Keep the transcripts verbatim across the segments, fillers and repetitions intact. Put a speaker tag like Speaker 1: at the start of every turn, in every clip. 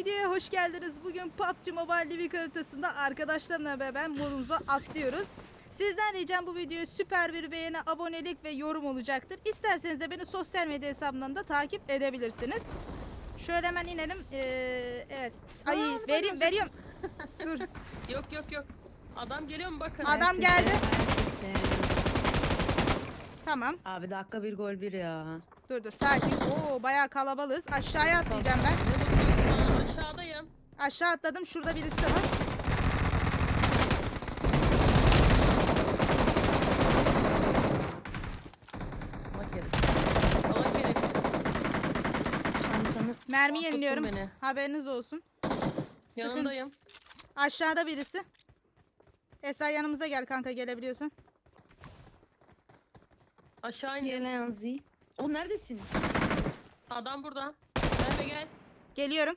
Speaker 1: videoya hoş geldiniz. Bugün P U B G Mobile Livik haritasında arkadaşlarımla beraber modumuza atlıyoruz. Sizden ricam bu videoya süper bir beğeni, abonelik ve yorum olacaktır. İsterseniz de beni sosyal medya hesabımdan da takip edebilirsiniz. Şöyle hemen inelim. Ee, evet. Ay
Speaker 2: Aa,
Speaker 1: vereyim veriyorum. Dur.
Speaker 2: Yok yok yok. Adam geliyor mu bakın.
Speaker 1: Adam geldi. Tamam.
Speaker 3: Abi dakika bir gol bir ya.
Speaker 1: Dur dur sakin. Oo bayağı kalabalığız. Aşağıya atlayacağım ben.
Speaker 2: Aa, aşağıdayım.
Speaker 1: Aşağı atladım. Şurada birisi var.
Speaker 2: Bak gerek. Allah gerek.
Speaker 3: Çantanı
Speaker 1: Mermi
Speaker 2: Korkuttun
Speaker 1: yeniliyorum.
Speaker 2: beni.
Speaker 1: Haberiniz olsun. Sıkın.
Speaker 2: Yanındayım.
Speaker 1: Aşağıda birisi. Esra yanımıza gel kanka gelebiliyorsun.
Speaker 2: Aşağı indim.
Speaker 3: gelen Z. O neredesin?
Speaker 2: Adam burada. Merve gel.
Speaker 1: Geliyorum.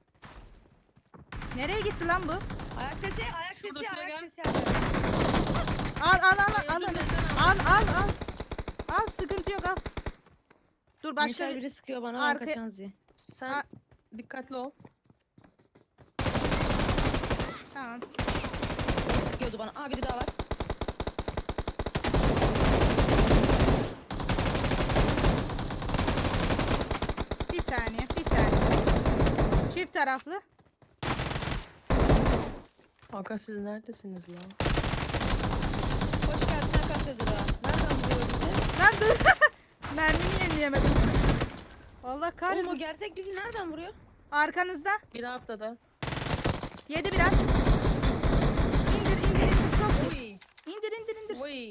Speaker 1: Nereye gitti lan bu?
Speaker 3: Ayak sesi, ayak
Speaker 2: Şurada,
Speaker 3: sesi,
Speaker 2: şuraya
Speaker 3: ayak
Speaker 2: gel.
Speaker 3: sesi.
Speaker 1: Al al al
Speaker 2: Hayır,
Speaker 1: al
Speaker 2: dur,
Speaker 1: al.
Speaker 2: benden al.
Speaker 1: Al al al. Al sıkıntı yok al. Dur başka
Speaker 3: Başka
Speaker 1: bir...
Speaker 3: biri sıkıyor bana
Speaker 1: Arka-
Speaker 3: ben kaçan Z.
Speaker 2: Sen
Speaker 1: Aa.
Speaker 2: dikkatli ol.
Speaker 1: Tamam.
Speaker 3: Sıkıyordu bana. Aa biri daha var.
Speaker 1: Bir saniye bir saniye. Çift taraflı.
Speaker 2: Hakan siz neredesiniz lan?
Speaker 3: Hoş geldin Hakan Sezura. Nereden buluyor bizi?
Speaker 1: Lan dur. Mermimi yenileyemedim. Allah
Speaker 3: Oğlum o
Speaker 1: kahretsin.
Speaker 3: gerçek bizi nereden vuruyor?
Speaker 1: Arkanızda.
Speaker 2: Bir haftada.
Speaker 1: Yedi biraz. İndir indir indir çok.
Speaker 2: Oy.
Speaker 1: İndir indir indir.
Speaker 2: Oy.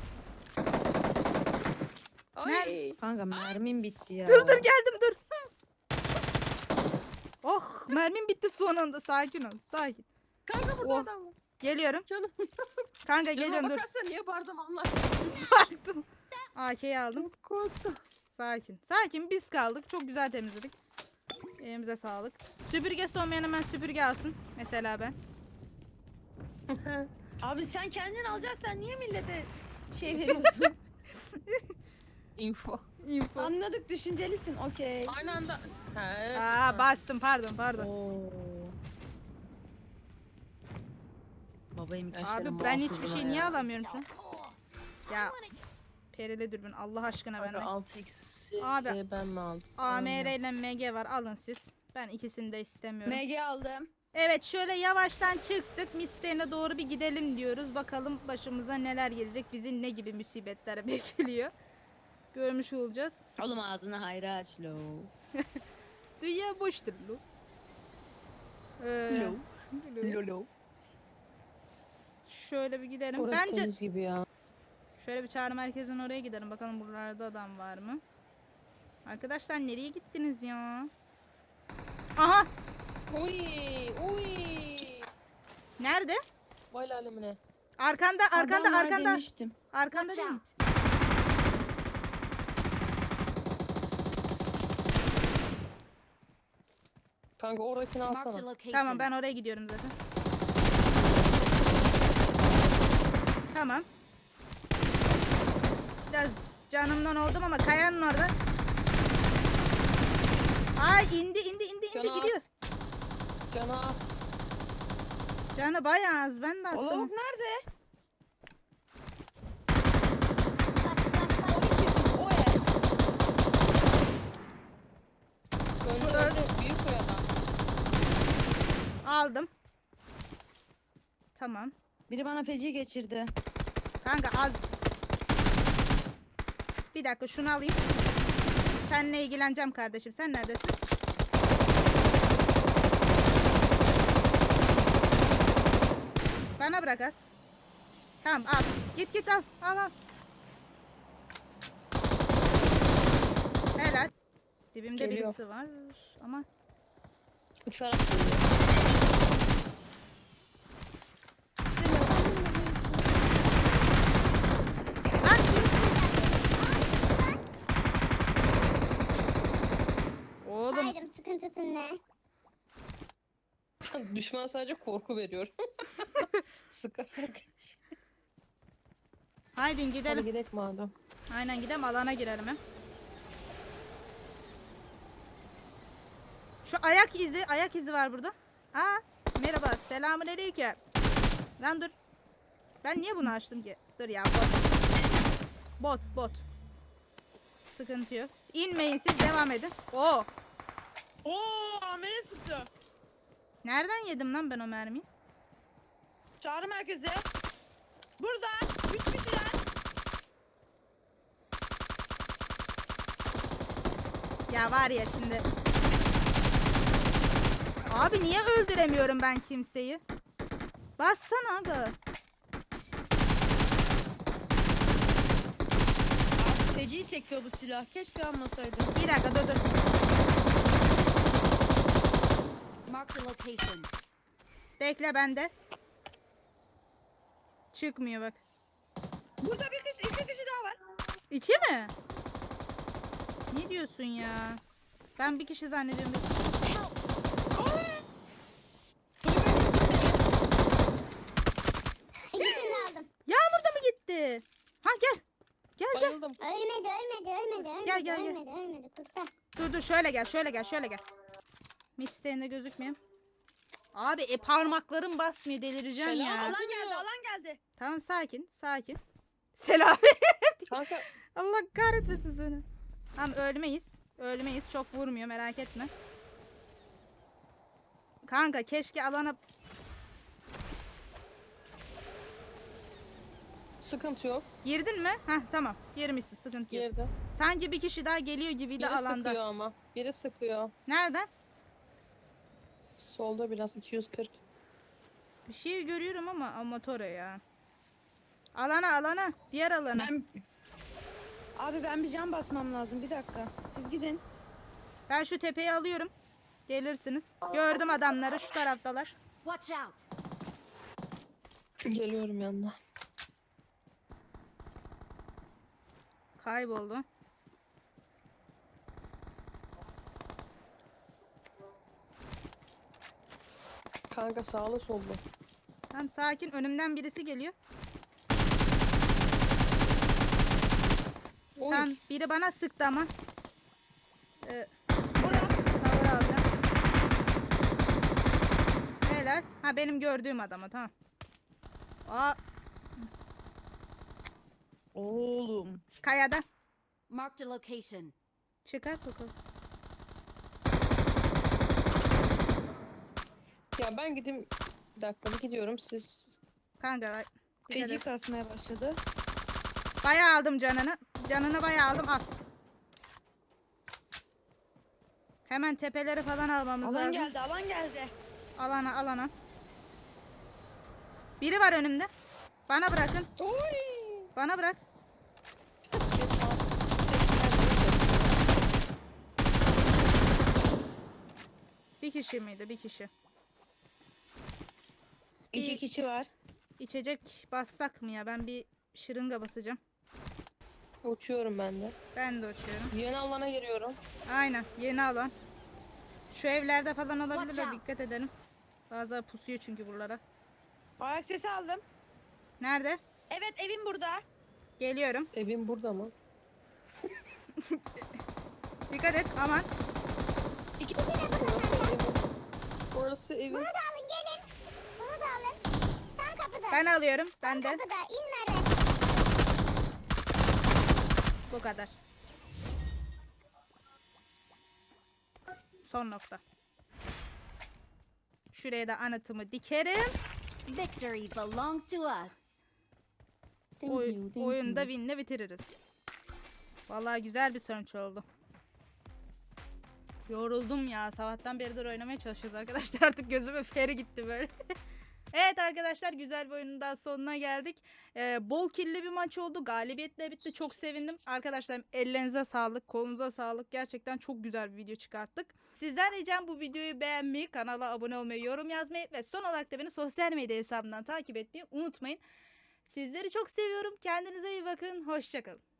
Speaker 1: Nerede?
Speaker 2: Oy.
Speaker 3: Kanka mermim bitti ya.
Speaker 1: Dur dur geldim dur. Oh mermim bitti son anda sakin ol. Sakin.
Speaker 2: Kanka burada
Speaker 1: Oh.
Speaker 2: adam var.
Speaker 1: Geliyorum.
Speaker 2: Canım.
Speaker 1: Kanka
Speaker 2: Canıma
Speaker 1: geliyorum dur.
Speaker 2: bakarsan niye bağırdım anlar.
Speaker 1: Baktım. A K'yi aldım.
Speaker 2: Çok korktum.
Speaker 1: Sakin. Sakin biz kaldık. Çok güzel temizledik. Elimize sağlık. Süpürgesi olmayan hemen süpürge alsın. Mesela ben.
Speaker 3: Abi sen kendin alacaksan niye millete şey veriyorsun?
Speaker 2: Info.
Speaker 1: Info.
Speaker 3: Anladık düşüncelisin okey.
Speaker 2: Aynı anda. Ha, evet.
Speaker 1: Aa bastım pardon pardon.
Speaker 3: Oo. Babayım
Speaker 2: Ben
Speaker 1: Abi
Speaker 2: senin
Speaker 1: ben
Speaker 2: muhafızına
Speaker 1: hiçbir şey
Speaker 2: ya.
Speaker 1: niye alamıyorum şu an? Ya perili dürbün Allah aşkına
Speaker 2: Kanka
Speaker 1: benden.
Speaker 2: altı x'i
Speaker 1: Abi,
Speaker 2: ben mi aldım?
Speaker 1: A M R ile M G var alın siz. Ben ikisini de istemiyorum.
Speaker 3: M G aldım.
Speaker 1: Evet şöyle yavaştan çıktık. Midstay'ine doğru bir gidelim diyoruz. Bakalım başımıza neler gelecek. Bizi ne gibi musibetler bekliyor. Görmüş olacağız.
Speaker 3: Oğlum ağzını hayra aç lo.
Speaker 1: Dünya boştur lu. Ee,
Speaker 3: Lo. Lo lo.
Speaker 1: Şöyle bir gidelim.
Speaker 2: Orası
Speaker 1: Bence
Speaker 2: temiz gibi ya.
Speaker 1: şöyle bir çağrı merkezine oraya gidelim. Bakalım buralarda adam var mı? Arkadaşlar nereye gittiniz ya? Aha!
Speaker 2: Uy, uy.
Speaker 1: Nerede?
Speaker 2: Vay alemine.
Speaker 1: Arkanda, arkanda,
Speaker 3: Adam var
Speaker 1: arkanda.
Speaker 3: demiştim.
Speaker 1: Arkanda değil mi?
Speaker 2: Kanka oradakini
Speaker 4: Marked a
Speaker 2: alsana.
Speaker 4: location.
Speaker 1: Tamam ben oraya gidiyorum zaten. Tamam. Biraz canımdan oldum ama kayanın orada. Ay indi indi indi indi
Speaker 2: Canı
Speaker 1: gidiyor.
Speaker 2: az. Canı az.
Speaker 1: Canı bayağı az ben de
Speaker 3: O
Speaker 1: attım.
Speaker 3: lavuk nerede? O ev.
Speaker 2: Önce
Speaker 1: Şu
Speaker 2: önce büyük koy adam.
Speaker 1: Aldım. Tamam.
Speaker 3: Biri bana feci geçirdi.
Speaker 1: Kanka az. Bir dakika şunu alayım. Seninle ilgileneceğim kardeşim. Sen neredesin? Bana bırak az. Tamam al. Git git al. Al al. Helal. Dibimde
Speaker 2: Geliyor.
Speaker 1: birisi var ama
Speaker 2: Uçarak geliyor.
Speaker 1: lan oğlum
Speaker 4: Haydım sıkıntısı ne?
Speaker 2: Düşman sadece korku veriyor. Sıkarak.
Speaker 1: haydi
Speaker 2: Hadi
Speaker 1: gidelim.
Speaker 2: gidelim madem.
Speaker 1: Aynen gidelim alana girelim hem. Şu ayak izi, ayak izi var burada. Aa, merhaba, selamun aleyküm. Lan dur. Ben niye bunu açtım ki? Dur ya, bot. Bot, bot. Sıkıntı yok. İnmeyin siz, devam edin. Oo.
Speaker 3: Oo, amele tuttu.
Speaker 1: Nereden yedim lan ben o mermiyi?
Speaker 3: Çağrı merkezi. Burada. Üç kişiler.
Speaker 1: Ya var ya şimdi. Abi niye öldüremiyorum ben kimseyi? Bassana aga.
Speaker 3: Abi feci sekiyor bu silah. Keşke almasaydım.
Speaker 1: Bir dakika dur dur.
Speaker 4: Marked a location.
Speaker 1: Bekle bende. Çıkmıyor bak.
Speaker 3: Burada bir kişi, iki kişi daha var.
Speaker 1: İki mi? Ne diyorsun ya? Ben bir kişi zannediyorum.
Speaker 5: İkisini aldım.
Speaker 1: Yağmur da mı gitti? Ha gel. Gel gel.
Speaker 2: Bayıldım.
Speaker 5: Ölmedi, ölmedi, ölmedi, ölmedi,
Speaker 1: Gel, gel, gel.
Speaker 5: ölmedi, ölmedi. Kurtar.
Speaker 1: Dur dur şöyle gel şöyle gel şöyle gel. Midstay'inde gözükmüyor. Abi e parmaklarım basmıyor, delireceğim
Speaker 2: Selam.
Speaker 1: ya.
Speaker 3: Alan geldi, alan geldi.
Speaker 1: Tamam sakin sakin. Selam.
Speaker 2: Kanka
Speaker 1: Allah kahretmesin seni. Tamam ölmeyiz. Ölmeyiz. Çok vurmuyor merak etme. Kanka keşke alana...
Speaker 2: sıkıntı yok.
Speaker 1: Girdin mi? Heh tamam. Girmişsin, sıkıntı yok.
Speaker 2: Girdi.
Speaker 1: Sanki bir kişi daha geliyor gibiydi
Speaker 2: Biri
Speaker 1: alanda.
Speaker 2: sıkıyor ama. Biri sıkıyor.
Speaker 1: Nereden?
Speaker 2: Solda biraz iki yüz kırk.
Speaker 1: Bir şey görüyorum ama amatör ya. Alana alana. Diğer alana.
Speaker 3: Ben... Abi ben bir can basmam lazım. Bir dakika. Siz gidin.
Speaker 1: Ben şu tepeyi alıyorum. Gelirsiniz. Gördüm adamları, şu taraftalar.
Speaker 4: Watch out.
Speaker 2: Geliyorum yanına.
Speaker 1: Kayboldu.
Speaker 2: Kanka sağlı sollu.
Speaker 1: Tamam sakin, önümden birisi geliyor.
Speaker 2: Oy.
Speaker 1: Tamam biri bana sıktı ama. Ee,
Speaker 3: Burada.
Speaker 1: tavır alacağım. Helal. Ha benim gördüğüm adamı, tamam. Aa,
Speaker 3: Oğlum.
Speaker 1: kayada.
Speaker 4: Marked a location.
Speaker 1: Çıkart bakalım.
Speaker 2: Ya ben gideyim. Bir dakika bir gidiyorum siz.
Speaker 1: Kanka bak, dikkat
Speaker 3: Feci
Speaker 1: et.
Speaker 3: kasmaya başladı.
Speaker 1: Bayağı aldım canını. Canını bayağı aldım, al. Hemen tepeleri falan almamız
Speaker 3: Alan
Speaker 1: lazım.
Speaker 3: geldi, alan geldi.
Speaker 1: Alana alana. Biri var önümde. Bana bırakın.
Speaker 2: Oy.
Speaker 1: Bana bırak. Bir kişi miydi? Bir kişi.
Speaker 3: İki
Speaker 1: Bir-
Speaker 3: kişi var.
Speaker 1: İçecek bassak mı ya? Ben bir şırınga basacağım.
Speaker 2: Uçuyorum ben de.
Speaker 1: Ben de uçuyorum.
Speaker 2: Yeni alana giriyorum.
Speaker 1: Aynen. Yeni alan. Şu evlerde falan olabilir de
Speaker 4: Watch out.
Speaker 1: dikkat edelim. Bazıları pusuyor çünkü buralara.
Speaker 3: Ayak sesi aldım.
Speaker 1: Nerede?
Speaker 3: Evet, evim burada.
Speaker 1: Geliyorum.
Speaker 2: Evim burada mı?
Speaker 1: Dikkat et. Aman.
Speaker 3: İki
Speaker 2: Burası evim. Burası evim.
Speaker 5: Bunu da alın, gelin. Bunu da alın. Tam kapıda.
Speaker 1: Ben alıyorum. Ben
Speaker 5: Tam
Speaker 1: de.
Speaker 5: kapıda. İn Merve.
Speaker 1: Bu kadar. Son nokta. Şuraya da anıtımı dikerim.
Speaker 4: Victory belongs to us.
Speaker 1: Oy, oyunda winle bitiririz. Vallahi güzel bir sonuç oldu. Yoruldum ya. Sabahtan beridir oynamaya çalışıyoruz arkadaşlar. Artık gözüme feri gitti böyle. Evet arkadaşlar, güzel bir oyunun daha sonuna geldik. Ee, bol killi bir maç oldu. Galibiyetle bitti. Çok sevindim. Arkadaşlarım ellerinize sağlık, kolunuza sağlık. Gerçekten çok güzel bir video çıkarttık. Sizden ricam bu videoyu beğenmeyi, kanala abone olmayı, yorum yazmayı ve son olarak da beni sosyal medya hesabından takip etmeyi unutmayın. Sizleri çok seviyorum. Kendinize iyi bakın. Hoşça kalın.